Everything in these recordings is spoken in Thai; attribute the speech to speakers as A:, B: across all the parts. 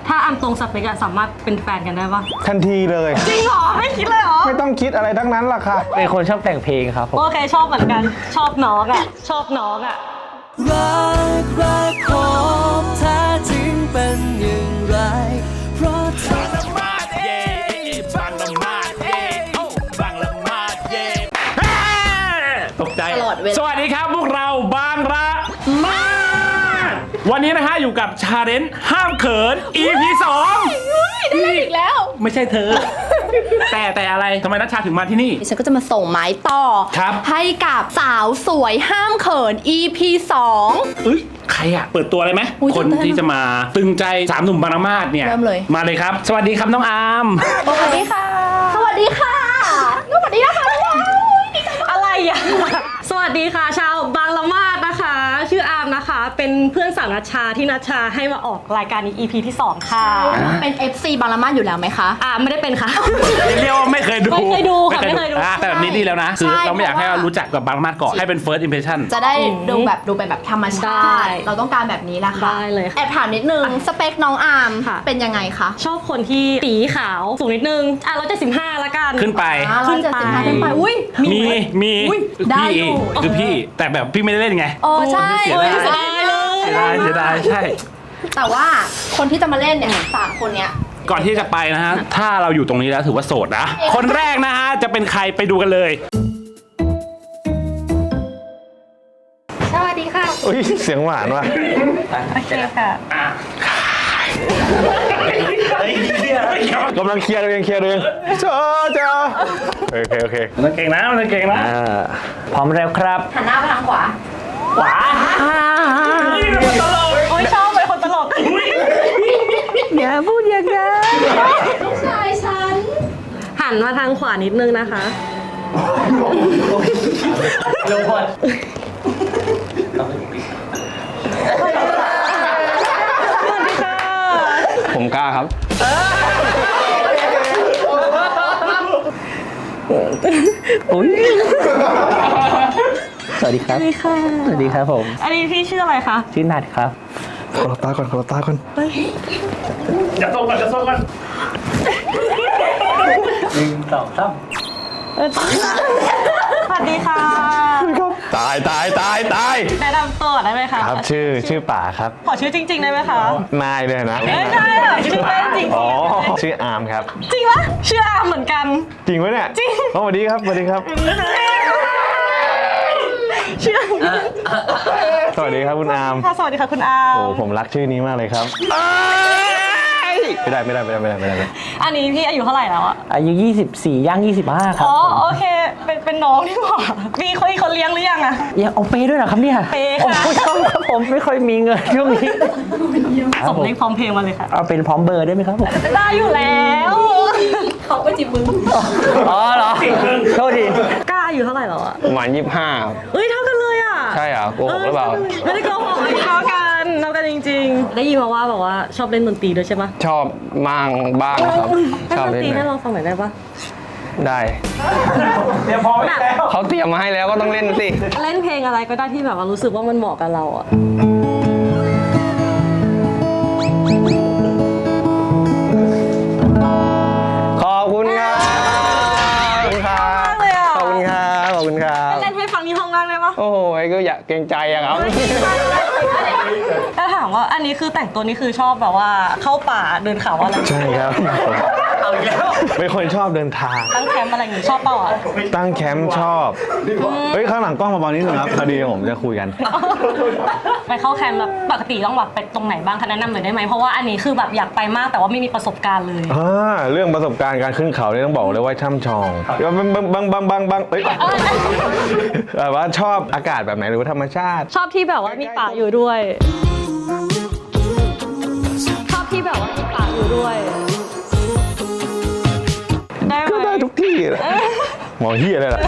A: ถ้าอามตรงสเปกอะสามารถเป็นแฟนกันได้ปะ
B: ทันทีเลย
A: จริงเหรอไม่คิดเลยเหรอ
B: ไม่ต้องคิดอะไรทั้งนั้นล่ะค่ะ
C: เป็นคนชอบแต่งเพลงครับผม
A: โอเคชอบเหมือนกันชอบน้องอะชอบน้องอะ
D: รักของแท้จริงเป็นอย่างไรเพราะเธอ
C: ตกใจสวัสดีครับพวกเราบางระมาดวันนี้นะฮะอยู่กับชาเลนจ์ห้ามเขิน EP 2
E: ได้อีกแล้ว
C: ไม่ใช่เธอ แต่อะไรทำไมนัชชาถึงมาที่นี่
E: ดิฉันก็จะมาส่งไม้ต่อ
C: ครับ
E: ให้กับสาวสวยห้ามเขิน EP 2
C: เอ้ยใครอะเปิดตัวเลยไหม
E: อุ๊ย
C: คน
E: ตื่นเต้น
C: ที่จะมาตึงใจ3หนุ่มบางระมาดเนี่ย
E: เริ่มเลย
C: มาเลยครับ สวัสดีครับน้องอาร์ม
E: สวัสดีค่ะ สวัสดีค่ะสวัสดีนะคะ
A: อะไรอะสวัสดีค่ะชาวบางละมาดนะคะ ชื่ออาร์มนะคะ เป็นเพื่อนสาวนัชชาที่นัชชาให้มาออกรายการนี้ EP ที่ 2 ค่ะ
E: เป็น FC บางละมาดอยู่แล้วไหมคะ
A: ไม่ได้เป็นค่ะ
C: เรียกว่าไม่เคยดู
A: ไม่เคยดูค่ะไม่เคยดู
C: แต่แบบนี้ดีแล้วนะคือ
E: ใช่
C: เราไม่อยากให้
E: เพราะว่า
C: เรารู้จักกับบางระมาดก่อนให้เป็น first impression
E: จะได้ดูเป็นแบบธรรมชา
A: ได้
E: ติ เราต้องการแบบนี้แหละค่ะ
A: ได้เลยค่ะ
E: แอบถามนิดนึง สเปคน้องอาร์ม
A: ค่ะ
E: เป็นยังไงคะ
A: ชอบคนที่สีขาวสูงนิดนึง175ละกัน
C: ขึ้นไป
E: 175ขึ้นไปอุ้ย
C: มี
E: อุ๊ยได้
C: พี่
E: อยู่
C: คือพี่แต่แบบพี่ไม่ได้เล่นไง
E: โอ้ใช่
C: เสียดาย
A: เสียดายเลย
C: เสียดายใช่
E: แต่ว่าคนที่จะมาเล่นเนี่ย3คนเนี้ย
C: ก่อนที่จะไปนะฮะ ถ้าเราอยู่ตรงนี้แล้วถือว่าโสดนะ คนแรกนะฮะ จะเป็นใครไปดูกันเลย
A: สวัสดีค่ะ
B: อุ้ยเสียงหวานว่ะ
A: โอเคค่ะ
B: กำลังเคลียร์ตัวเองเจ้าโอเค
C: มันเก่งนะมันเก่งนะพร้อมแล้วครับ
E: หันหน้าไปทางขวา
C: ขวา
A: โอ้ยชอบเป็นคนตลก
C: อย่าพูดอย่างนั้น
E: ชายฉัน
A: หันมาทางขวานิดนึงนะคะ
C: ลงก่อน
A: สวัสดีค่ะ
B: ผมกล้าครับ
C: อุ้ยสวัสดีครับ
A: สวัสดีค่ะ
C: สวัสดีครับผม
A: อันนี้พี่ชื่ออะไรคะ
C: ชื่อนัทครับ
B: ขอรับตาก่อน
C: อย่าส่งก่อน1 2 3
A: สวัสดีค่ะ
B: ตาย
A: แนะนำตัวได้ไหมคะ
B: ครับชื่อป่าครับ
A: ขอชื่อจริงๆได้ไหมคะ
B: นายเลยนะ
A: เอ้ยได้ค่ะชื่อเล่นจริง
B: อ๋อชื่ออาร์มครับ
A: จริงปะชื่ออาร์มเหมือนกัน
B: จริงปะเนี่ย
A: จริง
B: สวัสดีครับ
A: ชื่อ
B: สวัสดีครับคุณอาร์ม
A: ค่ะสวัสดีค่ะคุณอาร์ม
B: โอ้ผมรักชื่อนี้มากเลยครับไม่ได้
A: อันนี้พี่อายุเท่าไหร่แล้วอะ
C: อายุ24ย่าง25ครับ
A: อ๋อโอเคเป็นน้องที่หว่ามีคนเลี้ยงหรือยังอะ
C: ยังเอาเปย์ด้วยเหรอครับเนี่ย
A: เปย์
C: โอ้
A: ค่ะ
C: โหครับผมไม่ค่อยมีเงินช่วงนี้
A: ส่งเลขพร้อมเพลงมาเลยค่ะ
C: เอาเป็นพร้อมเบอร์ได้ไหมครับผม
A: ได้อยู่แล้ว
E: เขาไปจีบมึง
C: อ๋อเหรอโทษที
A: กล้าอายุเท่าไหร่แล้วอะ
B: ประมาณ25
A: เอ้ยเท่ากันเลยอะ
B: ใช่เหรอโกหกหรือเปล่า
A: ไม่ได้โกหกเท่ากันจริงๆ ได้ยินมาว่าแบบว่าชอบเล่นดนตรีด้วยใช่ปะ
B: ชอบบ้างครับ ชอบ
A: เล่นดน
B: เล่น
A: ตรี
B: ไหม
A: ให้เราฟังหน่อยได้ปะ
B: ได้
C: เดี๋ยวพอไม่แล้ว
B: เขาเตรียมมาให้แล้วก็ต้องเล่นสิ
A: เล่นเพลงอะไรก็ได้ที่แบบว่ารู้สึกว่ามันเหมาะกับเราอะ
B: ขอบคุณครับขอบคุณครับ
A: เล่นให้ฟังที่ห้องนั่งได้ปะ
B: โอ้โหก็อยากเกรงใจอะครับ
A: ถ้าถามว่าอันนี้คือแต่งตัวนี่คือชอบแบบว่าเข้าป่าเดินเขาอะไร
B: ใช่ครับ
C: เอาอีกแล้ว
B: เป็นคนชอบเดินทาง
A: ตั้งแคมป์อะไรอย่างงี้ชอบเปล่าอะ
B: ตั้งแคมป์ชอบ เฮ้ยข้างหลังกล้องมาเบาๆนิดนึงครับพอดีผมจะคุยกัน
A: ไปเข้าแคมป์แบบปกติต้องแบบไปตรงไหนบ้างคะแนะนำหน่อยได้ไหมเพราะว่าอันนี้คือแบบอยากไปมากแต่ว่าไม่มีประสบการณ์เลย
B: เรื่องประสบการณ์การขึ้นเขาเนี่ยต้องบอกเลยว่าช่ำชองบังเอ้ยแบบว่าชอบอากาศแบบไหนหรือว่าธรรมชาติ
A: ชอบที่แบบว่ามีป่าอยู่ด้วย ชอบที่แบบว่ามีป่าอยู่ด้วย ได้ไหม
B: ก็ได้ทุกที่แหละหมอเฮียเลยล่ะ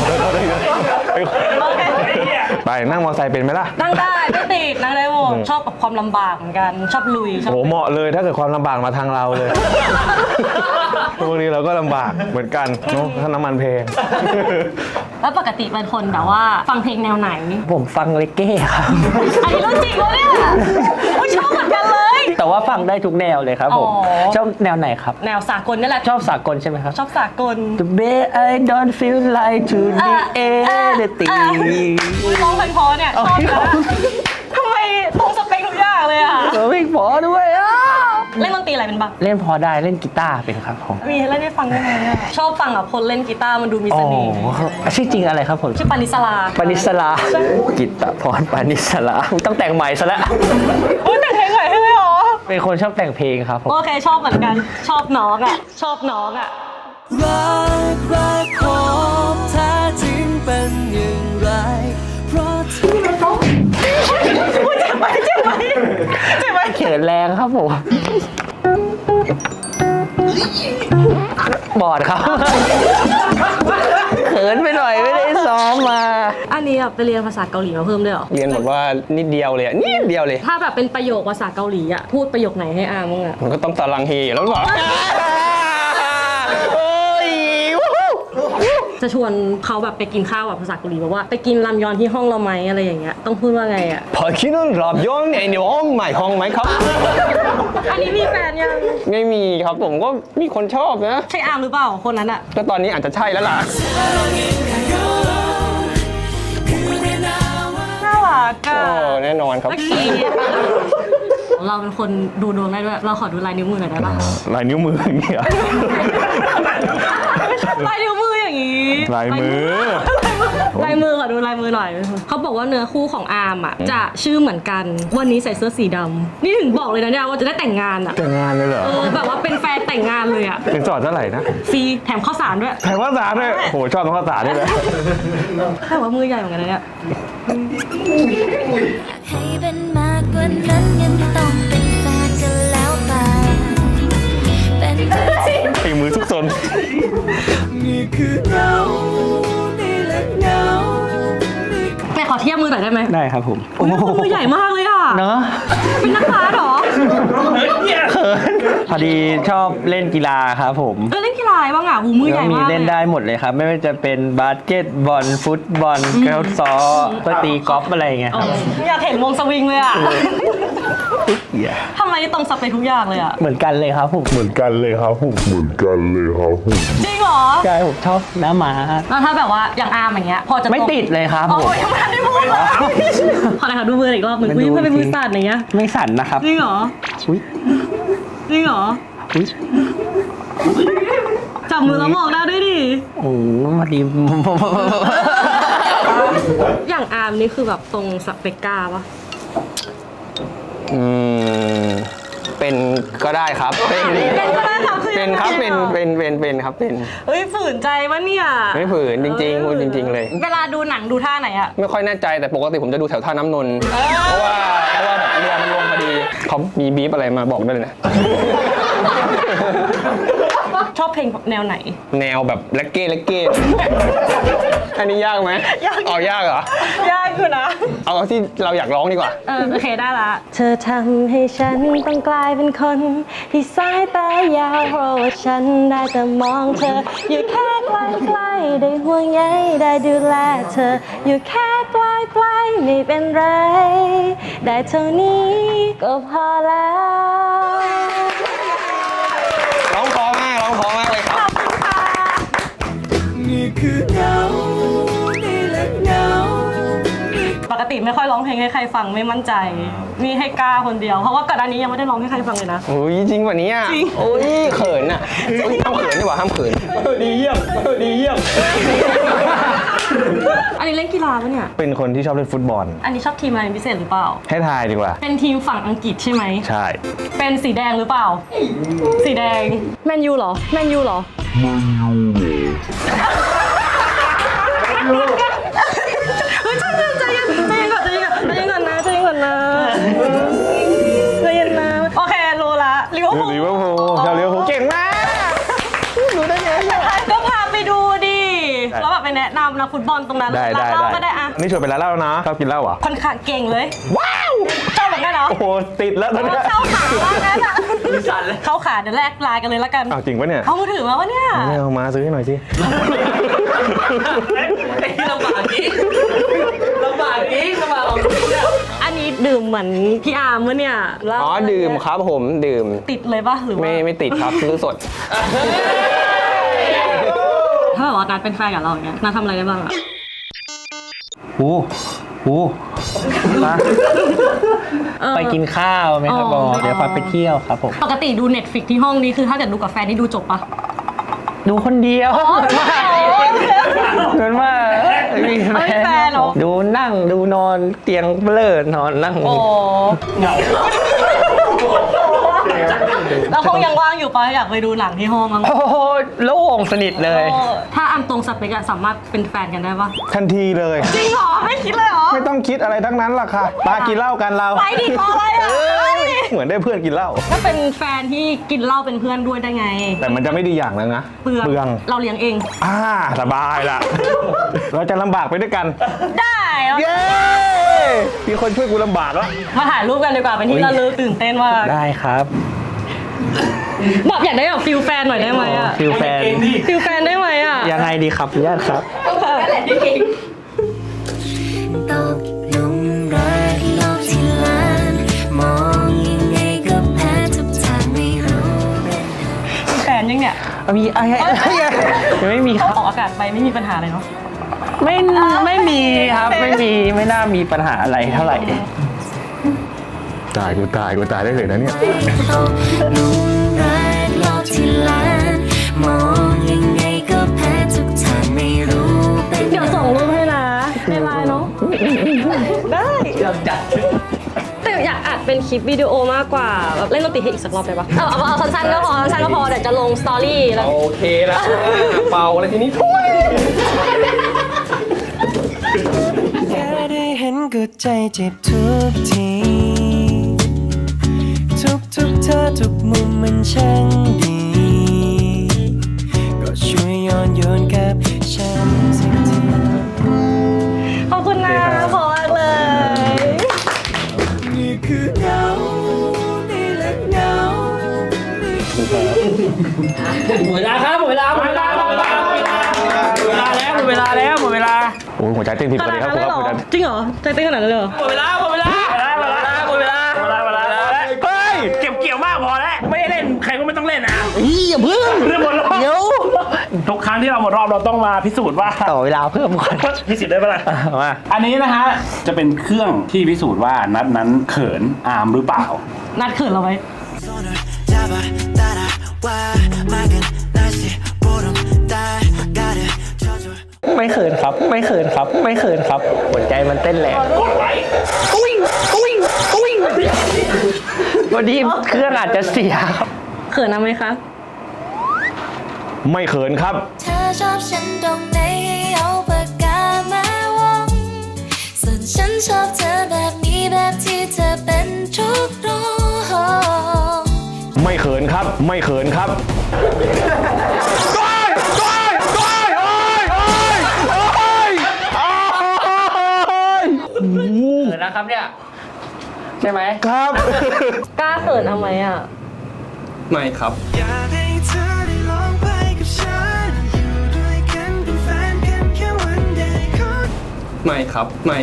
B: ไปนั่งมอเตอร์ไซค์เป็นไหมล่ะ
A: นั่งได้ไม่ติดนั่งได้หมดชอบกับความลำบากเหมือนกัน ชอบลุยชอบ
B: โหเหมาะเลยถ้าเกิดความลำบากมาทางเราเลยพวกนี้เราก็ลำบากเหมือนกันเนาะถ้าน้ำมันแพง
A: แล้วปกติเป็นคนแบบว่าฟังเพลงแนวไหน
C: ผมฟังเลเก้ครับ
A: อันนี้รู้จริงวะเนี่ยอุ๊ยชอบเหมือนกันเลย
F: แต่ว่าฟังได้ทุกแนวเลยครับผม
A: อ๋อ
F: ชอบแนวไหนครับ
A: แนวสากลนี่แหละ
F: ชอบสากลใช่ไหมครับ
A: ชอบสากล
F: The way I don't feel like to the anything
A: ร้องเพราะๆเนี่ยชอบนะทำไมตรงสเปคทุกอย่างเลยอ่ะ
F: ไม่พอด้วยอ่ะ
A: เล่นดนตรีอะไรเป็นบ้าง
F: เล่นพอได้เล่นกีตาร์เป็นครับผม
A: มีให้เล่นให้ฟังได้ไหมอะชอบฟังพลเล่นกีตาร์มันดูมี
F: อ๋
A: เส
F: อ
A: น่ห์
F: ชื่อจริงอะไรครับผม
A: ชื่อปานิสลา
F: ปานิสลากิตตพรปานิสลาต้องแต่งใหม่ซะแล้ว
A: โอ้ยแต่งเพลงใหม่ให้เลยเหรอ
F: เป็นคนชอบแต่งเพลงครับผม
A: โอเคชอบเหมือนกัน ชอบน้องอ่ะ ชอบน้องอ่ะ
D: รักของแท้จริงเป็นอย่างไร เพราะเธอ
A: เจ็บไหม
F: เขินแรงครับผมบอดครับเขินไปหน่อยไม่ได้ซ้อมมา
A: อันนี้ไปเรียนภาษาเกาหลีมาเพิ่มด้วยเหรอ
F: เรียนแบบว่านิดเดียวเลยอะนิดเดียวเลย
A: ถ้าแบบเป็นประโยคภาษาเกาหลีอ่ะ พูดประโยคไหนให้อามึงอ่ะ
F: มันก็ต้องตาลังเฮอยู่แล้วหรือเปล่าโอ้ย
A: จะชวนเขาแบบไปกินข้าวแบบภาษาเกาหลีแบบว่าไปกินรามยอนที่ห้องเราไหมอะไรอย่างเงี้ย ต้องพูดว่าไงอ่ะ
F: พอคิดว่ารับย้อนในห้องใหม่ห้องไหมครับ
A: อันนี้มีแฟนยัง
F: ไม่มีครับผมก็มีคนชอบนะ
A: ใช่อาร์มหรือเปล่าคนนั้นอ่ะ
F: ก็ตอนนี้อาจจะใช่แล้วล่ะ
A: น่ารักอ่ะ
F: โอ้แน่นอนครับ
A: โอเคเราเป็นคนดูดวงได้ด้วย เราขอดูลายนิ้วมือหน่อยได้ปะ
B: ลายนิ้วมืออย่างเงี้ย
A: ลายนิ้วมืออย่างงี้
B: ลายมือ
A: ลายมือขอดูลายมือหน่อย เขาบอกว่าเนื้อคู่ของอาร์มอ่ะจะชื่อเหมือนกัน วันนี้ใส่เสื้อสีดำนี่ถึงบอกเลยนะเนี่ยว่าจะได้แต่งงานอ่ะ
B: แต่งงานเลยเหรอ
A: แบบว่าเป็นแฟนแต่งงานเลยอ่ะ
B: ถึงสอดเท่าไหร่นะ
A: ฟรีแถมข้าวสารด้วย
B: แถมข้าวสารด้วยโหชอบข้าวสารด้วยนะ
A: แต่ว่ามือใหญ่เหมือนกันนะเนี่ย
G: ให้เป็นมากกว่านั้นยังต้องเป็นแฟนกันแล้วไปเป็น
B: ตีมือทุกซน
D: นี่คือเงา นี่แหละเงา
A: แม่ขอเทียบมือหน่อยได้ไหม
F: ได้ครับผม
A: มือใหญ่มากเลยอ่ะ
F: เนอะ
A: เป็นนักบาสเหรอ
F: พอดีชอบเล่นกีฬาครับผม
A: เล่นกีฬาอะไรบ้างอ่ะหูมือให
F: ก็
A: ญ่
F: มี
A: มาก
F: เล่นได้หมดเลยครับ ไม่ว่าจะเป็นบาสเกตบอลฟุตบอลเกลซอก็ตีกอล์ฟอะไรอย่างเงี้ย
A: อ๋
F: ค
A: อ
F: รับ
A: อยากเห็นวงสวิงเลยอ่ะ
F: เหี้ย
A: ทำไมตรงสเปคทุกอย่างเลยอ่ะ
F: เหมือนกันเลยครับผม
B: เหมือนกันเลยครับ
A: จริงเหรอ
F: ใช่ผมชอบหน้าม้า
A: แล้วถ้าแบบว่าอย่างอาร์มอย่างเงี้ย พอจะ
F: ไม่ติดเลยครับ
A: อ๋อ
F: ผม
A: ยังไม่ทันได้พูดเลยขอหน่อยค่ะดูมืออีกรอบหนึ่ง
F: มัน
A: อุ้ย
F: ดู
A: เพื่อนเป็น
F: จริ
A: มื
F: ง
A: อสั่นอย่างเงี้ย
F: ไม่สั่นนะครับ
A: จริงเหรอ
F: อุ้ย
A: จริงเหรอ
F: อุ้ย
A: จับมือแล้วบอกได้ด้วยดิ
F: โอ้โหมาดี
A: อย่างอาร์มนี่คือแบบตรงสเปกกาปะ
F: เป็นก็ได้ครับ
A: เป็นก็ได้ค่ะคือ
F: เป็นครับ
A: ยังไง
F: เป็นครับเป็น
A: เฮ้ยฝืนใจวะเนี่ย
F: ไม่ฝืนจริงๆพูดจริง ๆ เลย
A: เวลาดูหนังดูท่าไหนอะ
F: ไม่ค่อยแน่ใจแต่ปกติผมจะดูแถวท่าน้ำนนท์เพราะว่าแบบเรือมันลงพอดีเขามีบีบอะไรมาบอกได้เลยนะ
A: ชอบเพลงแนวไหน
F: แนวแบบเลกเก้อันนี้ยากไหม
A: ยาก
F: เอายากเหรอ
A: ยากอยู่นะ
F: เอาที่เราอยากร้องดีกว่า
A: โอเคได้ละ เธอทำให้ฉันต้องกลายเป็นคนที่สายตายาวเพราะว่าฉันได้แต่มองเธอ อยู่แค่ใกล้ๆได้ห่วงใยได้ดูแลเธอ อยู่แค่ใกล้ๆไม่เป็นไร ได้เท่านี้ก็พอแล้ว
F: ร้องเพอมากเลยครับ
D: นี่คือเงา นี่แหละเงา
A: ปกติไม่ค่อยร้องเพลงให้ใครฟังไม่มั่นใจ นี่ให้กล้าคนเดียว เพราะว่าก่อนหน้านี้ยังไม่ได้ร้องให้ใครฟังเลยนะ
F: โอ้ยจริงกว่านี้อ่ะ
A: จริง
F: โอ้ยเขินอ่ะโอ้ยห้ามเขินดีกว่าห้ามเขินดีเยี่ยม
A: อันนี้เล่นกีฬาปะเนี่ย
B: เป็นคนที่ชอบเล่นฟุตบอล
A: อันนี้ชอบทีมอะไรเป็นพิเศษหรือเปล่า
B: ให้ทายดีกว่า
A: เป็นทีมฝั่งอังกฤษใช่ไหม
B: ใช่
A: เป็นสีแดงหรือเปล่า สีแดง แมนยูเหรอ แมนยูเหรอ เฮ้ยใจเย็นก่อนนะใจเย็นก่อนนะใจเย็นนะ โอเครู้ละลิเวอร์พูล
B: ลิเวอร์พูลชาวลิเวอร์พูลเก่งมาก
A: ก็พาไปดูดิแล้วแบบไปแนะนำนักฟุตบอลตรงนั้น
B: ได้
A: ร้านเหล้าก็ได้อะ
B: นี่ชวนไปร้านเหล้าแล้วนะชอบกินเหล้าเหรอ
A: ค่อนข้างเก่งเลย ว้าวชอบเหมือนกันเหรอ
B: โอ้โหติดแล้วตอนเนี้ย
A: เข้าขาว่างั้นอะเข้าขาเดี๋ยวแลกไลน์กันเลยละกัน
B: อ้าวจริงปะเนี่ย
A: เอามือถือมาวะเนี่ย
B: ไม่เอามาซื้อให้หน่อยสิ
A: อันนี้ดื่มเหมือนพี่อาร์มวะเนี่ยเหล้า
F: อ๋อดื่มครับผมดื่ม
A: ติดเลยปะหรือว่า
F: ไม่ติดครับซื้อสด
A: ถ้าแบบว่านัดเป็นแฟนกับเราอย่างเงี้ยนัดทำอะไรได้บ้างอะ
H: ไปกินข้าวไหมครับบอเดี๋ยวพาไปเที่ยวครับผม
A: ปกติดู Netflix ที่ห้องนี้คือถ้าเกิดดูกับแฟนนี่ดูจบปะ
H: ดูคนเดียวเหมือนว่ามี
A: ไม่แฟนเหรอ
H: ดูนั่งดูนอนเตียงเบลอนอนนั่ง
A: โอ้แล้วห้องยังว่างอยู่ปะอยากไปดูหนังที่ห้องมั้ง
H: โอ้โหโล่งสนิทเลย
A: ถ้าอันตรงสเปกอะสามารถเป็นแฟนกันได้ปะ
B: ทันทีเลย
A: จริงเหรอไม่คิดเลยเหรอ
B: ไม่ต้องคิดอะไรทั้งนั้นหรอกค่ะปากินเหล้ากันเรา
A: ไปดิรออะไรอะ
B: เหมือนได้เพื่อนกินเหล้า
A: ถ้าเป็นแฟนที่กินเหล้าเป็นเพื่อนด้วยได้ไง
B: แต่มันจะไม่ดีอย่างนึงนะ
A: เปลืองเราเลี้ยงเอง
B: สบายละ เราจะลำบากไปด้วยกัน
A: ได้แล้ว
B: เย้ มีคนช่วยกูลำบากแล้ว
A: มาถ่ายรูปกันดีกว่าเป็นที่ระลึกตื่นเต้นมาก
H: ได้ครับ
A: แบบอยากได้แบบฟิลแฟนหน่อยได้ไหมอะ
H: ฟิลแฟน
A: ฟิลแฟนได้ไหมอะ
H: ยังไงดีครับญาติครับ
G: ตกหลุมรักโลกที่ล้านมองยังไงก็แพ้ทุกทางไม่รู้เป็น
A: มีแฟนยังเนี่ย
H: มีอะไรยังไม่มีครับ
A: ออกอากาศไปไม่มีปัญหาเลยเนาะ
H: ไม่มีครับไม่น่ามีปัญหาอะไรเท่าไหร่
B: ตายกูตายได้เลยนะเนี่ย
G: ตกหลุมรักโลกที่ล้านมองยังไงก็แพ้ทุกทางไม่รู้เป็น
A: เดี๋ยวส่งรูปให้นะในไลน์เนาะได้แต่อยากอัดเป็นคลิปวิดีโอมากกว่าแบบเล่นดนตรีให้อีกสักรอบได้ปะเอาสั้นๆก็พอสั้นๆก็พอเดี๋ยวจะลงสตอรี่แล้ว
F: โอเคแล้วเป่าอะไรทีนี้ทุย
D: แค่ได้เห็นก็ใจเจ็บทุกทีทุกเธอทุกมุมมันช่างดีก็ช่วยย้อนโยนกับฉันสักที
A: ขอบคุณนะพอมากเลย
D: นี่คือเงานี่แหละเงา
H: หมดเวลาครับหมดเวลาแล้วหมดเวลา
B: โอ้ยหัวใจเต้นผิด
A: ข
B: ปก
A: นา
B: ติ
A: ด
B: ครับ
A: นั้น
B: คุณ
A: เลย
B: ครับ
A: เหรอ
B: คุณครับ
A: จริงเหรอใจเต้นขนาดนั้นเลยเหรอ
H: หมดเวลา
B: เฮ้ย
C: เก็บเกี่ยวมากพอแล้วไม่ได้เล่นใครก็ไม่ต้องเล่นนะ
H: อย่าเพิ่ง
C: เรื่องหมดรอบ
H: เดี๋ยว
C: ทุกครั้งที่เราหมดรอบเราต้องมาพิสูจน์ว่า
H: ต่อเวลาเพิ่มก่อน
C: พิสูจน์ได้ปะล่ะ
H: มา
C: อันนี้นะฮะจะเป็นเครื่องที่พิสูจน์ว่านัดนั้นเขินอามหรือเปล่า
A: นัดเขินเราไว้
D: 손을 잡아 따라와 맑은 날씨 보름 달 가르쳐줘
H: ไม่เขินครับหัวใจมันเต้นแรงวันนี้เครื่องอาจจะเสียครับ
A: เขินนะไหมคะ
B: ไม่เขินครับ
G: เธอชอบฉันตรงไหนให้เอาปากกามาวงส่วนฉันชอบเธอแบบนี้แบบที่เธอเป็นทุกโรง
B: ไม่เขินครับ ไม่เขินครับ
H: เขินนะครับเนี่ยใช่ไหม
B: ครับ
A: กล้าเขินทำไมอ่ะ
F: ไม่ครับ
D: อยากให้เธอได้ลองไปกับฉันอยู่ด้วยกันเป็นแฟนกันแค่วันเดียว
F: ไม่ครับ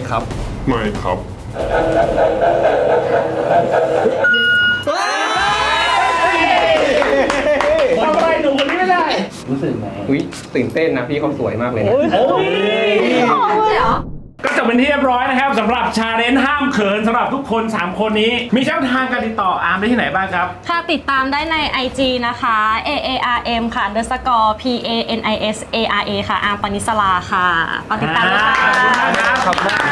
C: ทำอะไรหนุ่มคนนี้ไม่ได้
F: อุ้ยตื่นเต้นนะพี่เขาสวยมากเลยนะ
C: ก็จบเป็นที่เรียบร้อยนะครับสำหรับชาเลนจ์ห้ามเขินสำหรับทุกคน 3 คนนี้ มีช่องทางการติดต่ออาร์มได้ที่ไหนบ้างครับ
A: ค่ะติดตามได้ใน IG นะคะ AARM ค่ะ _ PANISARA ค่ะอาร์มปณิสลาค่ะฝากติดตามด้วยค่ะ
C: ขอบคุณครับ